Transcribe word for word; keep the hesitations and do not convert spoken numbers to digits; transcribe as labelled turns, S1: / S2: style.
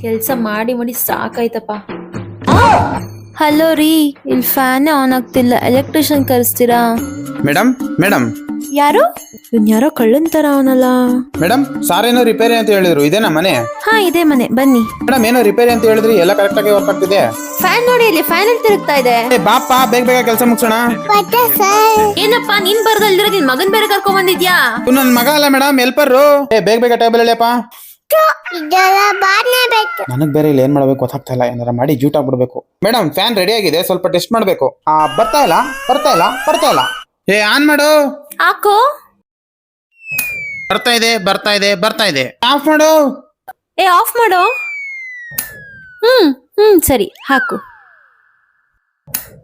S1: ಕೆಲ್ಸ ಮಾಡಿ ಮಾಡಿ ಸಾಕಾಯ್ತಪ್ಪ.
S2: ಹಲೋ ರೀ, ಇಲ್ಲಿ ಫ್ಯಾನ್ ಆನ್ ಆಗ್ತಿಲ್ಲ, ಎಲೆಕ್ಟ್ರಿಷಿಯನ್ ಕರೆಸ್ತೀರಾ?
S3: ಮೇಡಮ್ ಮೇಡಮ್
S2: ಯಾರು? ಇವ್ನ್ ಯಾರೋ ಕಳ್ಳನ್ ತರ ಅವನಲ್ಲ.
S3: ಮೇಡಮ್ ಸಾರ್ ಏನೋ ರಿಪೇರಿ ಅಂತ ಹೇಳಿದ್ರು, ಇದೇನಾ ಮನೆ?
S2: ಹಾ ಇದೆ ಮನೆ, ಬನ್ನಿ.
S3: ಮೇಡಮ್ ಏನೋ ರಿಪೇರಿ ಅಂತ ಹೇಳಿದ್ರಿ, ಎಲ್ಲ ಕರೆಕ್ಟ್ ಆಗಿ ವರ್ಕ್ ಆಗ್ತಿದೆ.
S2: ಫ್ಯಾನ್ ನೋಡಿ, ಇಲ್ಲಿ ಫ್ಯಾನ್ ಅಲ್ಲಿ ತಿರುಗ್ತಾ ಇದೆ.
S3: ಏ ಬಾಪ, ಬೇಗ ಬೇಗ ಕೆಲಸ ಮುಗಿಸೋಣ.
S1: ಏನಪ್ಪಾ ನೀನ್ ಬರ್ದಲ್ದಿರ ನಿನ್ ಮಗನ್ ಬೇರೆ ಕರ್ಕೊಂಡ್ ಬಂದಿದ್ಯಾ?
S3: ನನ್ ಮಗ ಅಲ್ಲ ಮೇಡಮ್, ಹೆಲ್ಪರ್. ಏ ಬೇಗ ಬೇಗ ಟೇಬಲ್ ಎಳೆಯಪ್ಪ. ನನಗ್ ಬೇರೆ ಇಲ್ಲಿ ಏನ್ ಮಾಡ್ಬೇಕು ಗೊತ್ತಾಗ್ತಾ ಇಲ್ಲ, ಏನಾರ ಮಾಡಿ ಜೂಟ್ ಆಗ್ಬಿಡ್ಬೇಕು. ಮೇಡಮ್ ಫ್ಯಾನ್ ರೆಡಿ ಆಗಿದೆ, ಸ್ವಲ್ಪ ಟೆಸ್ಟ್ ಮಾಡ್ಬೇಕು. ಆ ಬರ್ತಾ ಇಲ್ಲ ಬರ್ತಾ ಇಲ್ಲ ಬರ್ತಾ ಇಲ್ಲ. ಏ ಆನ್ ಮಾಡು.
S1: ಹಾಕು.
S3: ಬರ್ತಾ ಇದೆ ಬರ್ತಾ ಇದೆ ಬರ್ತಾ ಇದೆ. ಆಫ್ ಮಾಡು.
S1: ಏ ಆಫ್ ಮಾಡು. ಹ್ಮ್ ಹ್ಮ್ ಸರಿ ಹಾಕು.